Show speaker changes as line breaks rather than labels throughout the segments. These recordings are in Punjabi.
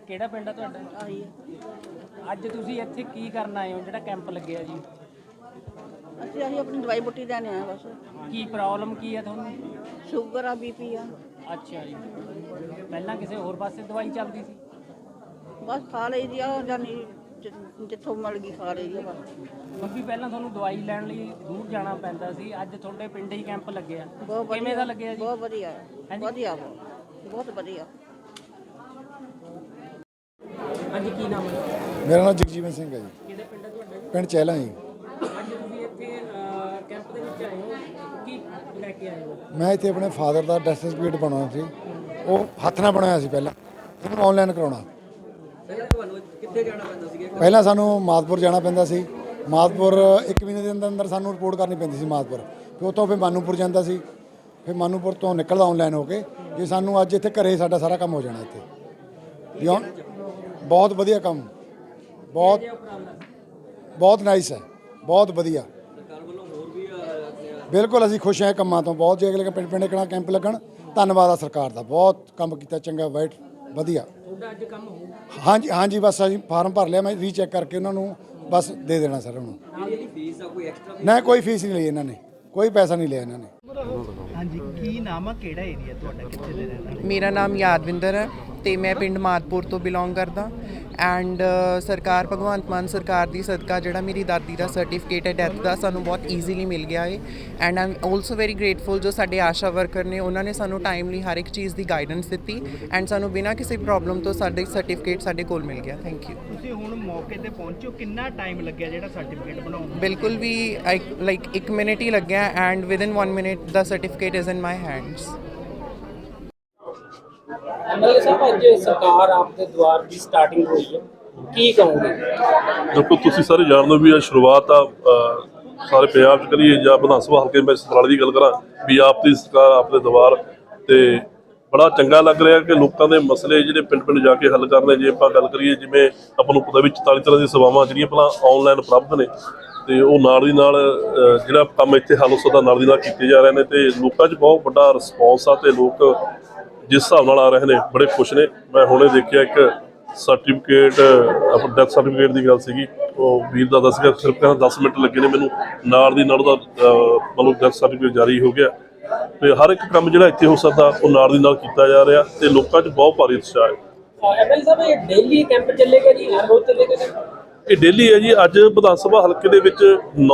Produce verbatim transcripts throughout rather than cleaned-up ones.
ਕਿਹੜਾ ਪਿੰਡ ਆ ਤੁਹਾਡਾ?
ਆਹੀ
ਅੱਜ ਤੁਸੀਂ ਇੱਥੇ ਕੀ ਕਰਨ ਆਏ ਹੋ ਜਿਹੜਾ ਕੈਂਪ ਲੱਗਿਆ ਜੀ?
ਅਸੀਂ ਅਸੀਂ ਆਪਣੀ ਦਵਾਈ ਬੁੱਟੀ ਲੈਣ ਆਏ ਬਸ।
ਕੀ ਪ੍ਰੋਬਲਮ ਕੀ ਹੈ ਤੁਹਾਨੂੰ?
ਸ਼ੂਗਰ ਆ, ਬੀਪੀ ਆ।
ਅੱਛਾ ਜੀ, ਪਹਿਲਾਂ ਕਿਸੇ ਹੋਰ ਪਾਸੇ ਦਵਾਈ ਚੱਲਦੀ ਸੀ?
ਬਸ ਖਾ ਲਈ ਦੀ ਆ, ਜਾਨੀ ਜਿ- ਜਿੱਥੋਂ ਮਿਲ ਗਈ ਖਾ ਲਈ ਦੀ ਆ ਬਸ।
ਕਿਉਂਕਿ ਪਹਿਲਾਂ ਤੁਹਾਨੂੰ ਦਵਾਈ ਲੈਣ ਲਈ ਦੂਰ ਜਾਣਾ ਪੈਂਦਾ ਸੀ, ਅੱਜ ਤੁਹਾਡੇ ਪਿੰਡ ਹੀ ਕੈਂਪ ਲੱਗਿਆ।
ਬਹੁਤ ਵਧੀਆ,
ਕਿਵੇਂ ਦਾ ਲੱਗਿਆ ਜੀ?
ਬਹੁਤ ਵਧੀਆ ਹੈ,
ਹਾਂਜੀ?
ਵਧੀਆ ਬਹੁਤ ਬਹੁਤ ਵਧੀਆ।
ਹਾਂਜੀ, ਕੀ ਨਾਮ ਹੈ?
ਮੇਰਾ ਨਾਮ ਜਗਜੀਵਨ ਸਿੰਘ ਹੈ ਜੀ।
ਕਿਹੜੇ ਪਿੰਡ ਹੈ ਤੁਹਾਡਾ ਜੀ?
ਪਿੰਡ ਚਹਿਲਾਂ ਜੀ।
ਅੱਜ ਤੁਸੀਂ ਇੱਥੇ ਕੈਂਪ ਦੇ ਵਿੱਚ ਆਏ ਹੋ, ਕੀ ਲੈ ਕੇ ਆਏ ਹੋ?
ਮੈਂ ਇੱਥੇ ਆਪਣੇ ਫਾਦਰ ਦਾ ਡੈਥ ਸਰਟੀਫਿਕੇਟ ਬਣਾਉਣਾ ਸੀ, ਉਹ ਹੱਥ ਨਾਲ ਬਣਾਇਆ ਸੀ ਪਹਿਲਾਂ, ਉਹਨੂੰ ਆਨਲਾਈਨ ਕਰਾਉਣਾ।
ਪਹਿਲਾਂ ਤੁਹਾਨੂੰ ਕਿੱਥੇ ਜਾਣਾ ਪੈਂਦਾ ਸੀ?
ਪਹਿਲਾਂ ਸਾਨੂੰ ਮਾਦਪੁਰ ਜਾਣਾ ਪੈਂਦਾ ਸੀ, ਮਾਦਪੁਰ ਇੱਕ ਮਹੀਨੇ ਦੇ ਅੰਦਰ ਅੰਦਰ ਸਾਨੂੰ ਰਿਪੋਰਟ ਕਰਨੀ ਪੈਂਦੀ ਸੀ ਮਾਦਪੁਰ, ਫਿਰ ਉੱਥੋਂ ਫਿਰ ਮਾਨੂਪੁਰ ਜਾਂਦਾ ਸੀ, ਫਿਰ ਮਾਨੂਪੁਰ ਤੋਂ ਨਿਕਲਦਾ ਆਨਲਾਈਨ ਹੋ ਕੇ ਜੇ ਸਾਨੂੰ ਅੱਜ ਇੱਥੇ ਘਰੇ ਸਾਡਾ ਸਾਰਾ ਕੰਮ ਹੋ ਜਾਣਾ ਇੱਥੇ। ਵੀ ਹੁਣ ਬਹੁਤ ਵਧੀਆ ਕੰਮ, ਬਹੁਤ ਬਹੁਤ ਨਾਈਸ ਹੈ, ਬਹੁਤ ਵਧੀਆ। ਬਿਲਕੁਲ ਅਸੀਂ ਖੁਸ਼ ਹਾਂ ਕੰਮਾਂ ਤੋਂ ਬਹੁਤ। ਜੇ ਅਗਲੇ ਪਿੰਡ ਪਿੰਡ ਕਿਹੜਾ ਕੈਂਪ ਲੱਗਣ, ਧੰਨਵਾਦ ਆ ਸਰਕਾਰ ਦਾ, ਬਹੁਤ ਕੰਮ ਕੀਤਾ, ਚੰਗਾ ਵਾਈਟ ਵਧੀਆ।
ਤੁਹਾਡਾ ਅੱਜ ਕੰਮ ਹੋ?
ਹਾਂਜੀ ਹਾਂਜੀ, ਬਸ ਅਸੀਂ ਫਾਰਮ ਭਰ ਲਿਆ, ਮੈਂ ਰੀਚੈੱਕ ਕਰਕੇ ਉਹਨਾਂ ਨੂੰ ਬਸ ਦੇ ਦੇਣਾ ਸਰ ਉਹਨੂੰ।
ਫੀਸ ਆ ਕੋਈ ਐਕਸਟਰਾ?
ਨਾ ਕੋਈ ਫੀਸ ਨਹੀਂ ਲਈ ਇਹਨਾਂ ਨੇ, ਕੋਈ ਪੈਸਾ ਨਹੀਂ ਲਿਆ ਇਹਨਾਂ ਨੇ।
ਹਾਂਜੀ, ਕੀ ਨਾਮ ਆ, ਕਿਹੜਾ ਏਰੀਆ ਤੁਹਾਡਾ, ਕਿੱਥੇ ਦੇ ਰਹਿਣ ਵਾਲੇ?
ਮੇਰਾ ਨਾਮ ਯਾਦਵਿੰਦਰ ਹੈ ਤੇ ਮੈਂ ਪਿੰਡ ਮਾਦਪੁਰ ਤੋਂ ਬਿਲੋਂਗ ਕਰਦਾ ਐਂਡ ਸਰਕਾਰ ਭਗਵੰਤ ਮਾਨ ਸਰਕਾਰ ਦੀ ਸਦਕਾ ਜਿਹੜਾ ਮੇਰੀ ਦਾਦੀ ਦਾ ਸਰਟੀਫਿਕੇਟ ਹੈ ਡੈਥ ਦਾ ਸਾਨੂੰ ਬਹੁਤ ਈਜ਼ੀਲੀ ਮਿਲ ਗਿਆ ਹੈ and I am also very grateful ਜੋ ਸਾਡੇ ਆਸ਼ਾ ਵਰਕਰ ਨੇ, ਉਹਨਾਂ ਨੇ ਸਾਨੂੰ ਟਾਈਮਲੀ ਹਰ ਇੱਕ ਚੀਜ਼ ਦੀ ਗਾਈਡੈਂਸ ਦਿੱਤੀ ਐਂਡ ਸਾਨੂੰ ਬਿਨਾਂ ਕਿਸੇ ਪ੍ਰੋਬਲਮ ਤੋਂ ਸਾਡੇ ਸਰਟੀਫਿਕੇਟ ਸਾਡੇ ਕੋਲ ਮਿਲ ਗਿਆ। Thank you.
ਤੁਸੀਂ ਹੁਣ ਮੌਕੇ ਤੇ ਪਹੁੰਚੋ, ਕਿੰਨਾ ਟਾਈਮ ਲੱਗਿਆ ਜਿਹੜਾ ਸਰਟੀਫਿਕੇਟ ਬਣਾਉਣ ਨੂੰ?
ਬਿਲਕੁਲ ਵੀ ਲਾਈਕ ਇੱਕ ਮਿੰਟ ਹੀ ਲੱਗਿਆ ਐਂਡ ਵਿਦਿਨ ਵਨ ਮਿੰਟ ਦਾ certificate is in my hands.
MLA ਸਾਹਿਬ, ਅੱਜ ਸਰਕਾਰ ਆਪਦੇ ਦੁਆਰ ਦੀ ਸਟਾਰਟਿੰਗ ਹੋਈ ਹੈ, ਕੀ ਕਹੋਗੇ?
ਦੇਖੋ, ਤੁਸੀਂ ਸਾਰੇ ਜਾਣਦੇ ਹੋ ਵੀ ਇਹ ਸ਼ੁਰੂਆਤ ਆ ਸਾਰੇ ਪੰਜਾਬ 'ਚ ਕਰੀਏ ਜਾਂ ਵਿਧਾਨ ਸਭਾ ਹਲਕੇ ਮੈਂ ਸਤਰਾਲੀ ਦੀ ਗੱਲ ਕਰਾਂ ਵੀ ਆਪ ਦੀ ਸਰਕਾਰ ਆਪਦੇ ਦੁਆਰ ਤੇ ਬੜਾ ਚੰਗਾ ਲੱਗ ਰਿਹਾ ਕਿ ਲੋਕਾਂ ਦੇ ਮਸਲੇ ਜਿਹੜੇ ਪਿੰਡ ਪਿੰਡ ਜਾ ਕੇ ਹੱਲ ਕਰਨੇ। ਜੇ ਆਪਾਂ ਗੱਲ ਕਰੀਏ, ਜਿਵੇਂ ਆਪਾਂ ਨੂੰ ਪਤਾ ਵੀ ਚੁਤਾਲੀ ਤਰ੍ਹਾਂ ਦੀਆਂ ਸੇਵਾਵਾਂ ਜਿਹੜੀਆਂ ਪਹਿਲਾਂ ਆਨਲਾਈਨ ਉਪਲਬਧ ਨੇ ਤੇ ਉਹ ਨਾਲ ਦੀ ਨਾਲ ਜਿਹੜਾ ਕੰਮ ਇੱਥੇ ਹੱਲ ਹੋ ਸਕਦਾ ਨਾਲ ਦੀ ਨਾਲ ਕੀਤੇ ਜਾ ਰਹੇ ਨੇ ਤੇ ਲੋਕਾਂ 'ਚ ਬਹੁਤ ਵੱਡਾ ਰਿਸਪੌਂਸ ਆ ਤੇ ਲੋਕ ਜਿਸ ਹਿਸਾਬ ਨਾਲ ਆ ਰਹੇ ਨੇ ਬੜੇ ਖੁਸ਼ ਨੇ। ਮੈਂ ਹੁਣੇ ਦੇਖਿਆ ਇੱਕ ਸਰਟੀਫਿਕੇਟ, ਆਪਣਾ ਡੈਥ ਸਰਟੀਫਿਕੇਟ ਦੀ ਗੱਲ ਸੀਗੀ, ਉਹ ਵੀਰ ਦਾ ਦੱਸ ਗਿਆ ਸਿਰਫ ਕਹਿੰਦਾ ਦਸ ਮਿੰਟ ਲੱਗੇ ਨੇ ਮੈਨੂੰ, ਨਾਲ ਦੀ ਨਾਲ ਉਹਦਾ ਮਤਲਬ ਡੈਥ ਸਰਟੀਫਿਕੇਟ ਜਾਰੀ ਹੋ ਗਿਆ ਤੇ ਹਰ ਇੱਕ ਕੰਮ ਜਿਹੜਾ ਇੱਥੇ ਹੋ ਸਕਦਾ ਉਹ ਨਾਲ ਦੀ ਨਾਲ ਕੀਤਾ ਜਾ ਰਿਹਾ ਤੇ ਲੋਕਾਂ 'ਚ ਬਹੁਤ ਭਾਰੀ ਉਤਸ਼ਾਹ ਹੈ।
ਐਮਐਲਏ ਸਾਹਿਬ, ਇਹ ਡੇਲੀ ਕੈਂਪ ਚੱਲੇਗਾ ਜੀ, ਹਰ ਰੋਜ਼ ਚੱਲੇਗਾ?
ਇਹ ਡੇਲੀ ਹੈ ਜੀ। ਅੱਜ ਵਿਧਾਨ ਸਭਾ ਹਲਕੇ ਦੇ ਵਿੱਚ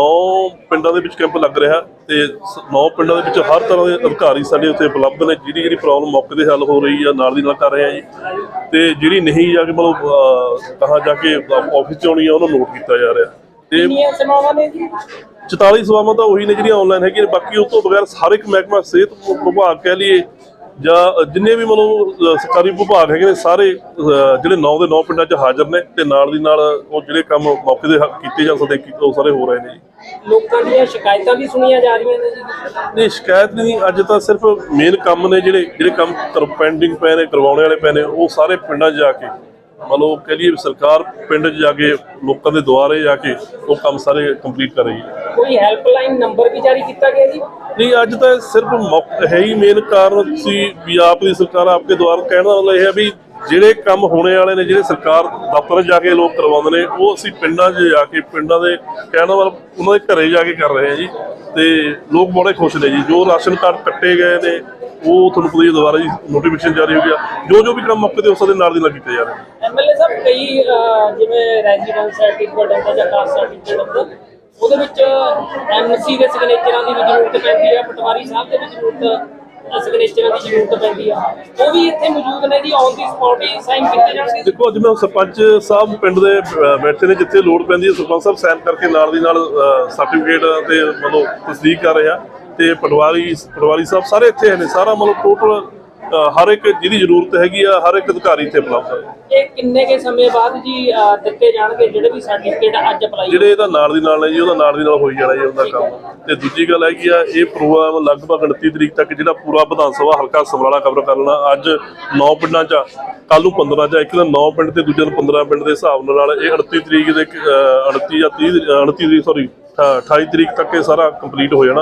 ਨੌ ਪਿੰਡਾਂ ਦੇ ਵਿੱਚ ਕੈਂਪ ਲੱਗ ਰਿਹਾ ਤੇ ਨੌ ਪਿੰਡਾਂ ਦੇ ਵਿੱਚ ਹਰ ਤਰ੍ਹਾਂ ਦੇ ਅਧਿਕਾਰੀ ਸਾਡੇ ਉੱਤੇ ਉਪਲਬਧ ਨੇ। ਜਿਹੜੀ ਜਿਹੜੀ ਪ੍ਰੋਬਲਮ ਮੌਕੇ 'ਤੇ ਹੱਲ ਹੋ ਰਹੀ ਆ ਨਾਲ ਦੀ ਨਾਲ ਕਰ ਰਹੇ ਆ ਜੀ ਤੇ ਜਿਹੜੀ ਨਹੀਂ ਜਾ ਕੇ ਮਤਲਬ ਕਹਾਂ ਜਾ ਕੇ ਆਫਿਸ 'ਚ ਆਉਣੀ ਆ ਉਹਨੂੰ ਨੋਟ ਕੀਤਾ ਜਾ ਰਿਹਾ। ਤੇ
ਕਿੰਨੀਆਂ ਸੇਵਾਵਾਂ ਨੇ ਜੀ?
ਚੁਤਾਲੀ ਸੇਵਾਵਾਂ ਤਾਂ ਉਹੀ ਨੇ ਜਿਹੜੀਆਂ ਆਨਲਾਈਨ ਹੈਗੀਆਂ, ਬਾਕੀ ਉਸ ਤੋਂ ਬਗੈਰ ਹਰ ਇੱਕ ਮਹਿਕਮਾ, ਸਿਹਤ ਵਿਭਾਗ ਕਹਿ ਲਈਏ ਜਾਂ ਜਿੰਨੇ ਵੀ ਮਤਲਬ ਸਰਕਾਰੀ ਵਿਭਾਗ ਹੈਗੇ ਨੇ ਸਾਰੇ ਜਿਹੜੇ ਨੌ ਦੇ ਨੌ ਪਿੰਡਾਂ 'ਚ ਹਾਜ਼ਰ ਨੇ ਤੇ ਨਾਲ ਦੀ ਨਾਲ ਉਹ ਜਿਹੜੇ ਕੰਮ ਮੌਕੇ ਦੇ ਕੀਤੇ ਜਾ ਸਕਦੇ ਉਹ ਸਾਰੇ ਹੋ ਰਹੇ ਨੇ ਜੀ।
ਲੋਕਾਂ ਦੀਆਂ ਸ਼ਿਕਾਇਤਾਂ ਵੀ ਸੁਣੀਆਂ ਜਾ ਰਹੀਆਂ ਨੇ ਜੀ?
ਨਹੀਂ, ਸ਼ਿਕਾਇਤ ਨਹੀਂ, ਅੱਜ ਤਾਂ ਸਿਰਫ ਮੇਨ ਕੰਮ ਨੇ ਜਿਹੜੇ ਜਿਹੜੇ ਕੰਮ ਪੈਂਡਿੰਗ ਪਏ ਨੇ, ਕਰਵਾਉਣੇ ਵਾਲੇ ਪਏ ਨੇ, ਉਹ ਸਾਰੇ ਪਿੰਡਾਂ 'ਚ ਜਾ ਕੇ ਮਤਲਬ ਕਹਿ ਲਈਏ ਸਰਕਾਰ ਪਿੰਡ 'ਚ ਜਾ ਕੇ ਲੋਕਾਂ ਦੇ ਦੁਆਰੇ ਜਾ ਕੇ ਉਹ ਕੰਮ ਸਾਰੇ ਕੰਪਲੀਟ ਕਰ ਰਹੀ ਹੈ।
ਕੋਈ ਹੈਲਪਲਾਈਨ ਨੰਬਰ ਵੀ ਜਾਰੀ ਕੀਤਾ ਗਿਆ ਜੀ?
ਨਹੀਂ, ਅੱਜ ਤਾਂ ਸਿਰਫ ਮੌਕਾ ਹੈ ਹੀ ਮੇਨ ਕਾਰਨ ਸੀ ਵੀ ਆਪ ਦੀ ਸਰਕਾਰ ਆਪਕੇ ਦੁਆਰ ਕਹਿਣ ਦਾ ਮਤਲਬ ਇਹ ਹੈ ਵੀ ਜਿਹੜੇ ਕੰਮ ਹੋਣੇ ਵਾਲੇ ਨੇ, ਜਿਹੜੇ ਸਰਕਾਰ ਦਫ਼ਤਰ ਜਾ ਕੇ ਲੋਕ ਕਰਵਾਉਂਦੇ ਨੇ, ਉਹ ਅਸੀਂ ਪਿੰਡਾਂ 'ਚ ਜਾ ਕੇ ਪਿੰਡਾਂ ਦੇ ਕਹਿਣ ਦਾ ਮਤਲਬ ਉਹਨਾਂ ਦੇ ਘਰੇ ਜਾ ਕੇ ਕਰ ਰਹੇ ਹਾਂ ਜੀ ਤੇ ਲੋਕ ਬੜੇ ਖੁਸ਼ ਨੇ ਜੀ। ਜੋ ਰਾਸ਼ਨ ਕਾਰਡ ਕੱਟੇ ਗਏ ਨੇ ਉਹ ਤੁਹਾਨੂੰ ਪਤਾ ਹੀ ਦੁਬਾਰਾ ਜੀ ਨੋਟੀਫਿਕੇਸ਼ਨ ਜਾਰੀ ਹੋ ਗਿਆ, ਜੋ ਜੋ ਵੀ ਕੰਮ ਮੌਕੇ 'ਤੇ ਉਸ ਦੇ ਨਾਲ ਦੀ ਨਾਲ ਕੀਤੇ ਜਾ ਰਹੇ ਨੇ।
ਐਮਐਲਏ ਸਾਹਿਬ, ਕਈ ਜਿਵੇਂ ਰੈਜ਼ੀਡੈਂਸ ਸਰਟੀਫਿਕੇਟ ਹੁੰਦਾ ਜਾਂ ਕਾਸਟ ਸਰਟੀਫਿਕੇਟ ਹੁੰਦਾ, ਉਹਦੇ ਵਿੱਚ ਐਮਸੀ ਦੇ ਸਿਗਨੇਚਰਾਂ ਦੀ ਵੀ ਜ਼ਰੂਰਤ ਪੈਂਦੀ ਹੈ, ਪਟਵਾਰੀ ਸਾਹਿਬ ਦੇ ਵੀ ਜ਼ਰੂਰਤ ਸਿਗਨੇਚਰਾਂ ਦੀ ਜ਼ਰੂਰਤ ਪੈਂਦੀ ਆ, ਉਹ ਵੀ ਇੱਥੇ ਮੌਜੂਦ ਨੇ ਜੀ? ਔਨ ਦੀ ਸਪੌਟ ਹੀ ਸਾਈਨ ਕੀਤੇ ਜਾਣਗੇ?
ਦੇਖੋ, ਅੱਜ ਮੈਂ ਸਰਪੰਚ ਸਾਹਿਬ ਪਿੰਡ ਦੇ ਬੈਠੇ ਨੇ, ਜਿੱਥੇ ਲੋੜ ਪੈਂਦੀ ਹੈ ਸਰਪੰਚ ਸਾਹਿਬ ਸਾਈਨ ਕਰਕੇ ਨਾਲ ਦੀ ਨਾਲ ਸਰਟੀਫਿਕੇਟ ਤੇ ਮਤਲਬ ਤਸਦੀਕ ਕਰ ਰਿਹਾ ਤੇ ਪਟਵਾਰੀ ਪਟਵਾਰੀ ਸਾਹਿਬ ਸਾਰੇ ਇੱਥੇ ਨੇ। ਸਾਰਾ ਮਤਲਬ ਟੋਟਲ ਹਰ ਇੱਕ ਜਿਹਦੀ ਜ਼ਰੂਰਤ ਹੈਗੀ ਆ ਹਰ ਇੱਕ ਅਧਿਕਾਰੀ ਇੱਥੇ ਉਪਲਬਧ ਹੈ।
ਇਹ ਕਿੰਨੇ ਕੇ ਸਮੇਂ ਬਾਅਦ ਜੀ ਦਿੱਤੇ ਜਾਣਗੇ ਜਿਹੜੇ ਵੀ ਸਰਟੀਫਿਕੇਟ ਅੱਜ ਅਪਲਾਈ?
ਜਿਹੜੇ ਇਹਦਾ ਨਾਲ ਦੀ ਨਾਲ ਹੈ ਜੀ, ਉਹਦਾ ਨਾਲ ਦੀ ਨਾਲ ਹੋਈ ਜਾਣਾ ਜੀ ਉਹਦਾ ਕੰਮ। ਤੇ ਦੂਜੀ ਗੱਲ ਹੈਗੀ ਆ, ਇਹ ਪ੍ਰੋਗਰਾਮ ਲਗਭਗ ਉਨੱਤੀ ਤਰੀਕ ਤੱਕ ਜਿਹੜਾ ਪੂਰਾ ਵਿਧਾਨ ਸਭਾ ਹਲਕਾ ਸਮਰਾਲਾ ਕਵਰ ਕਰ ਲੈਣਾ। ਅੱਜ ਨੌ ਪਿੰਡਾਂ 'ਚ, ਕੱਲ੍ਹ ਨੂੰ ਪੰਦਰਾਂ 'ਚ, ਇੱਕ ਦਿਨ ਨੌ ਪਿੰਡ ਤੇ ਦੂਜੇ ਦਿਨ ਪੰਦਰਾਂ ਪਿੰਡ ਦੇ ਹਿਸਾਬ ਨਾਲ ਇਹ ਉਨੱਤੀ ਤਰੀਕ ਦੇ ਉਨੱਤੀ ਜਾਂ ਤੀਹ ਉਨੱਤੀ ਤਰੀਕ ਸੌਰੀ ਅਠਾਈ ਤਰੀਕ ਤੱਕ ਇਹ ਸਾਰਾ ਕੰਪਲੀਟ ਹੋ ਜਾਣਾ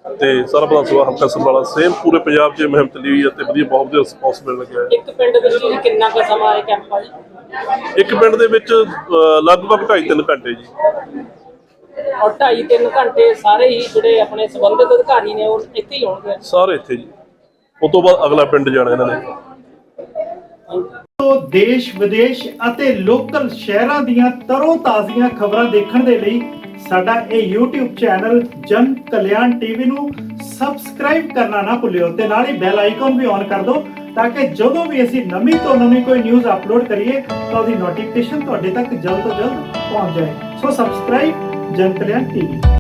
ਤੇ ਸਾਰਾ ਵਿਧਾਨ ਸਭਾ ਹਲਕਾ ਸਮਰਾਲਾ ਸੇਮ ਪੂਰੇ ਪੰਜਾਬ 'ਚ ਇਹ ਮੁਹਿੰਮ ਚੱਲੀ ਹੋਈ ਹੈ ਤੇ ਵਧੀਆ ਬਹੁਤ ਵਧੀਆ ਰਿਸਪੌਂਸ ਮਿਲਣ ਲੱਗਿਆ ਹੈ।
ਇੱਕ ਪਿੰਡ ਵਿੱਚ ਜੀ ਕਿੰਨਾ ਕੁ ਸਮਾਂ ਇਹ ਕੈਂਪ ਆ ਜੀ?
ਇੱਕ ਪਿੰਡ ਦੇ ਵਿੱਚ ਅਹ, ਲਗਭਗ ਢਾਈ ਤਿੰਨ ਘੰਟੇ ਜੀ।
ਔਰ ਢਾਈ ਤਿੰਨ ਘੰਟੇ ਸਾਰੇ ਹੀ ਜਿਹੜੇ ਆਪਣੇ ਸੰਬੰਧਿਤ ਅਧਿਕਾਰੀ ਨੇ ਉਹ ਇੱਥੇ ਹੀ ਹੋਣਗੇ।
ਸਾਰੇ ਇੱਥੇ ਜੀ, ਉਸ ਤੋਂ ਬਾਅਦ ਅਗਲਾ ਪਿੰਡ ਜਾਣਾ ਇਹਨਾਂ ਨੇ।
ਤੋਂ ਦੇਸ਼ ਵਿਦੇਸ਼ ਅਤੇ ਲੋਕਲ ਸ਼ਹਿਰਾਂ ਦੀਆਂ ਤਰੋ ਤਾਜ਼ੀਆਂ ਖਬਰਾਂ ਦੇਖਣ ਦੇ ਲਈ ਸਾਡਾ ਇਹ YouTube ਚੈਨਲ ਜਨ ਕਲਿਆਣ ਟੀਵੀ ਨੂੰ ਸਬਸਕ੍ਰਾਈਬ ਕਰਨਾ ਨਾ ਭੁੱਲਿਓ ਤੇ ਨਾਲ ਹੀ ਬੈਲ ਆਈਕਨ ਵੀ ਔਨ ਕਰ ਦਿਓ ਤਾਂ ਕਿ ਜਦੋਂ ਵੀ ਅਸੀਂ ਨਵੀਂ ਤੋਂ ਨਵੀਂ ਕੋਈ ਨਿਊਜ਼ ਅਪਲੋਡ ਕਰੀਏ ਤਾਂ ਉਹਦੀ ਨੋਟੀਫਿਕੇਸ਼ਨ ਤੁਹਾਡੇ ਤੱਕ ਜਲਦ ਤੋਂ ਜਲਦ ਪਹੁੰਚ ਜਾਏ। ਸੋ ਸਬਸਕ੍ਰਾਈਬ ਜਨ ਕਲਿਆਣ ਟੀਵੀ।